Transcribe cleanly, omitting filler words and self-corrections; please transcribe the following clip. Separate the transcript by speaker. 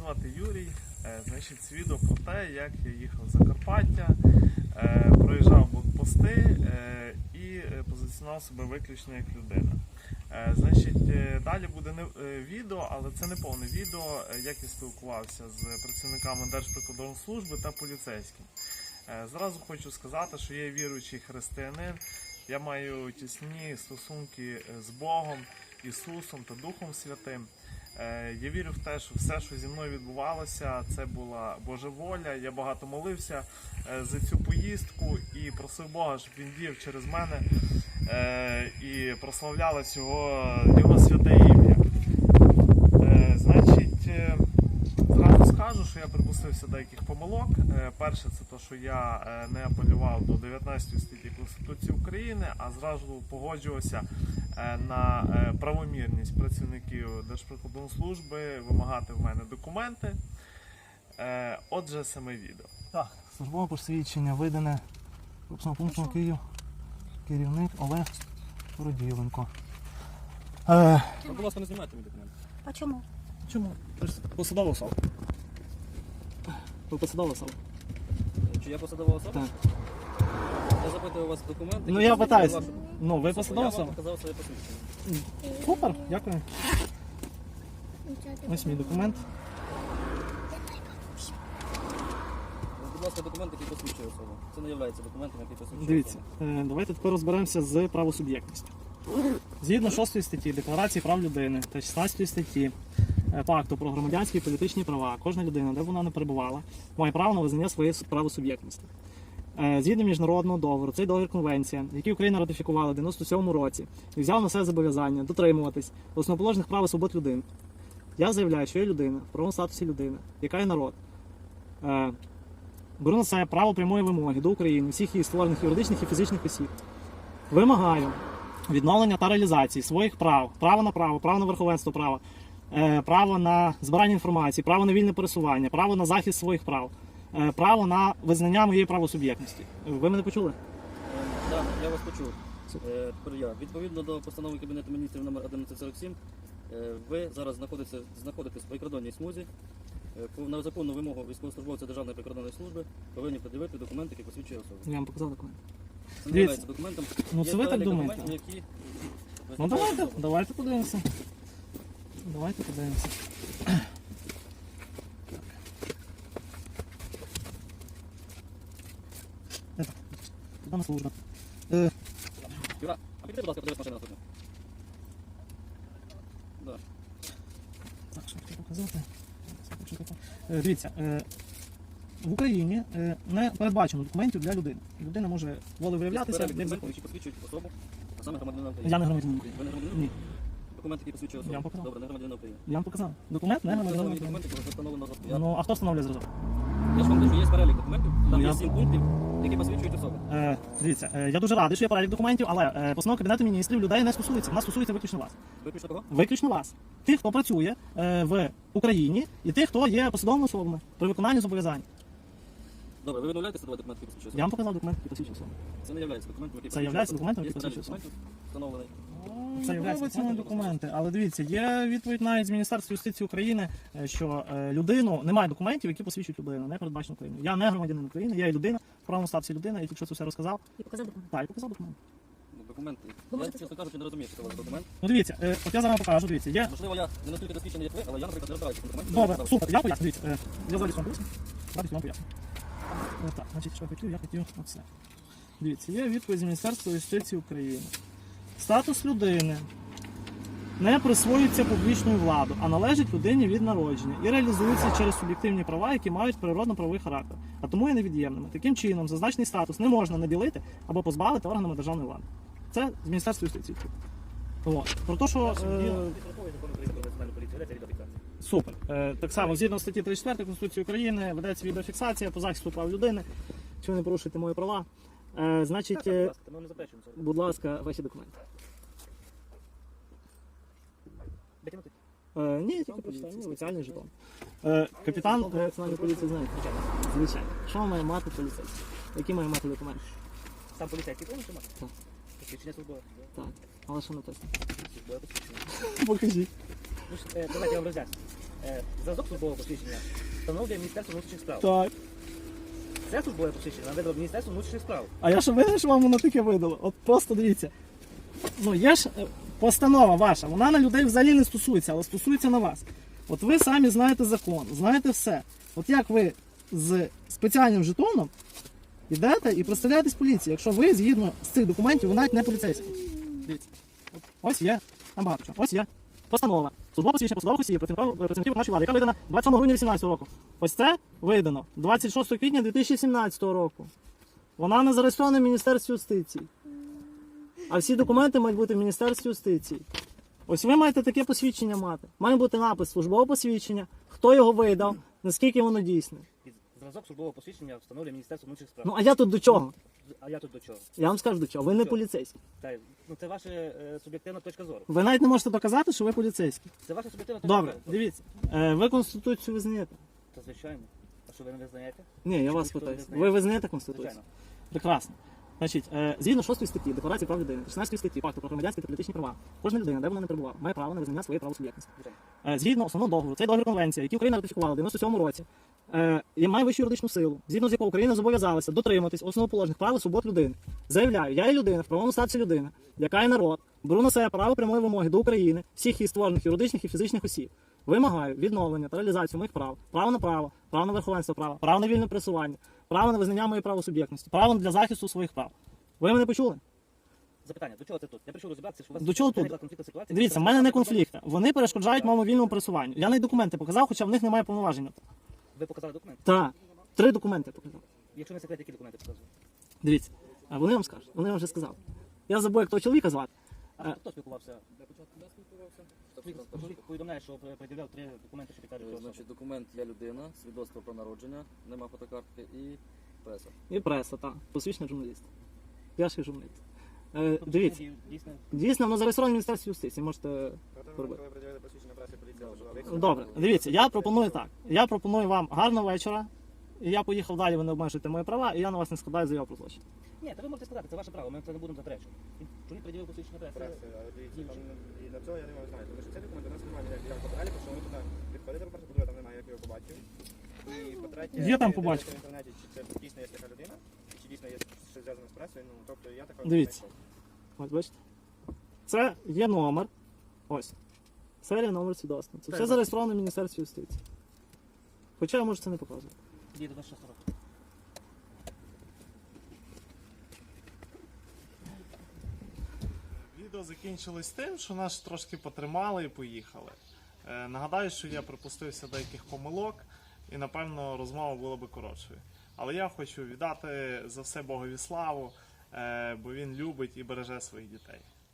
Speaker 1: звати Юрій. Значить, свідок про те, як я їхав в Закарпаття, проїжджав блокпости і позиціонував себе виключно як людина. Значить, далі буде відео, але це не повне відео, як я спілкувався з працівниками Держприкордонслужби та поліцейським. Зразу хочу сказати, що я віруючий християнин, я маю тісні стосунки з Богом, Ісусом та Духом Святим. Я вірю в те, що все, що зі мною відбувалося, це була Божа воля. Я багато молився за цю поїздку і просив Бога, щоб Він діяв через мене і прославлялось Його святе ім'я. Значить, зразу скажу, що я припустився деяких помилок. Перше, це те, що я не апелював до 19 статті Конституції України, а зразу погоджувався на правомірність працівників Держприкордонслужби вимагати в мене документи. Отже, саме відео.
Speaker 2: Так, службове посвідчення видане корпусним пунктом Київ, керівник Олег Роділенко.
Speaker 3: Будь ласка, не знімайте мій документ.
Speaker 4: А чому?
Speaker 2: Чому? Посадова особа. Ви посадова особа?
Speaker 3: Чи я посадова особа?
Speaker 2: Так.
Speaker 3: Я запитую у вас документи.
Speaker 2: Ну я питаюся. Ну, ви посадова
Speaker 3: Я вам
Speaker 2: особа?
Speaker 3: показав своє посвідчення.
Speaker 2: Супер, дякую. Ось мій документ.
Speaker 3: Будь ласка, документ, який посвідчує особу. Це не є документом, який посвідчує
Speaker 2: Дивіться,
Speaker 3: особу.
Speaker 2: давайте тепер розберемося з правосуб'єктністю. Згідно 6 статті Декларації прав людини та 16 статті Пакту про громадянські і політичні права, кожна людина, де б вона не перебувала, має право на визнання своєї правосуб'єктності. Згідно міжнародного договору, цей договір конвенція, який Україна ратифікувала в 97 році, і взяв на себе зобов'язання дотримуватись основоположних прав і свобод людини. Я заявляю, що я людина, в правовому статусі людини, яка є народ. Беру на себе право прямої вимоги до України, всіх її створених юридичних і фізичних осіб. Вимагаю відновлення та реалізації своїх прав, право на верховенство права, право на збирання інформації, право на вільне пересування, право на захист своїх прав, право на визнання моєї правосуб'єктності. Ви мене почули?
Speaker 3: Так, я вас почув. Тепер я. Відповідно до постанови Кабінету міністрів номер 1147, ви зараз знаходитесь в прикордонній смузі. На законну вимогу військовослужбовця Державної прикордонної служби повинні пред'явити документи, які посвідчує особу.
Speaker 2: Я вам показав документ.
Speaker 3: Це не є документом.
Speaker 2: Ну
Speaker 3: Є
Speaker 2: це ви так
Speaker 3: перелік
Speaker 2: думаєте?
Speaker 3: документів, які
Speaker 2: Ну
Speaker 3: визначають особу.
Speaker 2: давайте подивимося. Давайте подивимося. Куди служба?
Speaker 3: Юра, а підійди, будь ласка, подивись машину наступну. Да.
Speaker 2: Так, що хотів показати? Дивіться, в Україні не передбачено документів для людини. Людина може волевиявлятися,
Speaker 3: Перелік
Speaker 2: як
Speaker 3: документів,
Speaker 2: захоче.
Speaker 3: які посвідчують особу, а саме громадянина України.
Speaker 2: Я не громадянин України.
Speaker 3: Ви не громадянин?
Speaker 2: Ні,
Speaker 3: Документ, який посвідчує особу.
Speaker 2: Я вам показав.
Speaker 3: Добре, не громадянин України.
Speaker 2: я вам показав. Документ не громадянин
Speaker 3: Встановлені
Speaker 2: України.
Speaker 3: документи, коли встановлено зразку.
Speaker 2: Ну, а хто встановлює зразок?
Speaker 3: Я ж вам кажу, є перелік документів, там
Speaker 2: Я-
Speaker 3: є 7 пунктів, які посвідчують особу.
Speaker 2: Дивіться, я дуже радий, що є перелік документів, але постанова Кабінету міністрів людей не стосується. Вона стосується виключно вас.
Speaker 3: Виключно кого?
Speaker 2: Виключно вас. Тих, хто працює в Україні, і тих, хто є посадовими особами при виконанні зобов'язань.
Speaker 3: Добре, ви відмовляєтеся давати документи, які посвідчують
Speaker 2: Я
Speaker 3: особу?
Speaker 2: вам показав документ, який посвідчує особу.
Speaker 3: Це не є документом, який
Speaker 2: Це є документом, який
Speaker 3: посвідчує
Speaker 2: посвідчує
Speaker 3: особу. Встановлений.
Speaker 2: Це є документи, але дивіться, є відповідь навіть з Міністерства юстиції України, що людину немає документів, які посвідчують людину, не передбачено Україною. Я не громадянин України, я є людина, в правому статусі людина, я тільки що це все розказав.
Speaker 4: І показав документ.
Speaker 2: Так, і показав документ.
Speaker 3: Ну, документи.
Speaker 4: Ви
Speaker 3: Я,
Speaker 4: можете
Speaker 3: чесно кажучи, не розумію, що це у вас документ.
Speaker 2: Ну дивіться, от я зараз вам покажу, дивіться, є.
Speaker 3: Можливо, я не настільки досвідчений, як ви, але я, наприклад, не розбираюся в документах.
Speaker 2: Добре, супер, я поясню, дивіться, я зараз вам поясню. Зараз вам поясню. Так, значить, що я хотів оце. Дивіться, є відповідь з Міністерства юстиції України. Статус людини не присвоюється публічною владою, а належить людині від народження і реалізується через суб'єктивні права, які мають природно-правовий характер, а тому є невід'ємними. Таким чином, зазначений статус не можна наділити або позбавити органами державної влади. Це з Міністерства юстиції. От. Про те, що... Супер. Так само, згідно статті 34 Конституції України, ведеться відеофіксація по захисту прав людини. Чи ви не порушуєте мої права? Значить, будь ласка, ваші документи. Ні, я тільки прочитаю, офіціальний жетон. Капітан Національної поліції знає. Звичайно. Що має мати поліцейський? Які має мати документи?
Speaker 3: Сам поліцейський повністю має?
Speaker 2: Так.
Speaker 3: Посвідчення службове?
Speaker 2: Так. Але що написано?
Speaker 3: Службове посвідчення.
Speaker 2: Покажіть.
Speaker 3: Давайте я вам роз'ясню. Зразок службового посвідчення встановлює Міністерство внутрішніх справ.
Speaker 2: Так.
Speaker 3: Це службове посвідчення видало Міністерство внутрішніх справ.
Speaker 2: А я що винен, що вам воно таке видало? От просто дивіться. Ну, є ж постанова ваша, вона на людей взагалі не стосується, але стосується на вас. От ви самі знаєте закон, знаєте все. От як ви з спеціальним жетоном йдете і представляєтесь поліції, якщо ви згідно з цих документів, ви навіть не поліцейський. Дивіться. От, ось є, там багато чого. Ось є постанова. Службове посвідчення посадових осіб, працівників нашої влади, яка видана 27 грудня 2018 року. Ось це видано 26 квітня 2017 року. Вона не зареєстрована в Міністерстві юстиції. А всі документи мають бути в Міністерстві юстиції. Ось ви маєте таке посвідчення мати. Має бути напис службове посвідчення, хто його видав, наскільки воно дійсне.
Speaker 3: Зразок службового посвідчення встановлює Міністерство внутрішніх справ.
Speaker 2: Ну а я тут до чого?
Speaker 3: А я тут до чого?
Speaker 2: Я вам скажу до чого. Ви не
Speaker 3: Чого?
Speaker 2: поліцейський.
Speaker 3: Ну, це ваша суб'єктивна точка зору.
Speaker 2: Ви навіть не можете доказати, що ви поліцейський.
Speaker 3: Це ваша суб'єктивна точка
Speaker 2: Добре,
Speaker 3: зору.
Speaker 2: дивіться. Ви Конституцію визнаєте?
Speaker 3: Та звичайно. А що ви не визнаєте?
Speaker 2: Ні, я
Speaker 3: Чи
Speaker 2: вас
Speaker 3: ніхто не
Speaker 2: питаю.
Speaker 3: визнає?
Speaker 2: Ви визнаєте Конституцію?
Speaker 3: Звичайно.
Speaker 2: Прекрасно. Значить, згідно 6 статті Декларації прав людини, 16 статті Пакту про громадянські та політичні права, кожна людина, де вона не перебувала, має право на визнання своєї правосуб'єктності.
Speaker 3: Звичайно.
Speaker 2: Згідно основного договору, цей договір конвенції, який Україна ратифікувала в 97-му році, і має вищу юридичну силу, згідно з якого Україна зобов'язалася дотриматись основоположних прав і свобод людини. Заявляю, я є людина, в правовому статусі людина, яка є народ, беру на себе право прямої вимоги до України, всіх її створених юридичних і фізичних осіб. Вимагаю відновлення та реалізацію моїх прав, право на верховенство права, право на вільне пересування, право на визнання моєї правосуб'єктності, право для захисту своїх прав. Ви мене почули?
Speaker 3: Запитання, до чого це тут? Я прийшов розібратися, що у вас
Speaker 2: До чого тут?
Speaker 3: виникла конфліктна ситуація.
Speaker 2: Дивіться, в мене не конфлікт. Вони перешкоджають моєму вільному пересуванню. Я навіть документи показав, хоча в них немає повноважень.
Speaker 3: Ви показали документи?
Speaker 2: Так, 3 документи показав.
Speaker 3: Якщо не секрет, які документи показували?
Speaker 2: Дивіться, а вони вам скажуть, вони вам вже сказали. Я забув, як того чоловіка звати.
Speaker 3: Хто спілкувався? Повідомляє, що пред'являв 3 документи, що підтверджують особу.
Speaker 4: Значить, документ «Я людина», свідоцтво про народження, нема фотокартки і преса.
Speaker 2: І преса, так. Посвідчений журналіст. Я ж і журналіст.
Speaker 3: Тобто,
Speaker 2: Дивіться,
Speaker 3: дійсно,
Speaker 2: дійсно, воно зареєстровано в Міністерстві юстиції, можете робити.
Speaker 4: Коли приділяли посвідчення преси, поліція вжила вихід.
Speaker 2: Добре, дивіться, я пропоную так. Я пропоную вам гарного вечора. І я поїхав далі, ви не обмежуєте мої права, і я на вас не складаю заяву про злочин.
Speaker 3: Ні, та ви можете сказати, це ваше право, ми це не будемо заперечувати. Чоловік приділив посвідчення преси.
Speaker 4: Преси, але дивіться, там і на цього я не можу знати. Тому що цей документ у нас немає ніяких фотографій, тому що ми туди підходили, по-перше, по-друге, там немає, як його побачив. І по-третє,
Speaker 2: Є там
Speaker 4: я
Speaker 2: побачив.
Speaker 4: дивився в інтернеті, чи це дійсно є така людина, чи дійсно є щось зв'язане з пресою, ну, тобто я такого не
Speaker 2: Дивіться.
Speaker 4: знайшов.
Speaker 2: Ось бачите. Це є номер. Ось. Серія номер свідоцтва. Це все зареєстровано в Міністерстві юстиції. Хоча я можу це не показувати.
Speaker 3: Діє до 26 років.
Speaker 1: Відео закінчилось тим, що нас трошки потримали і поїхали. Нагадаю, що я припустився деяких помилок і, напевно, розмова була би коротшою. Але я хочу віддати за все Богові славу, бо він любить і береже своїх дітей.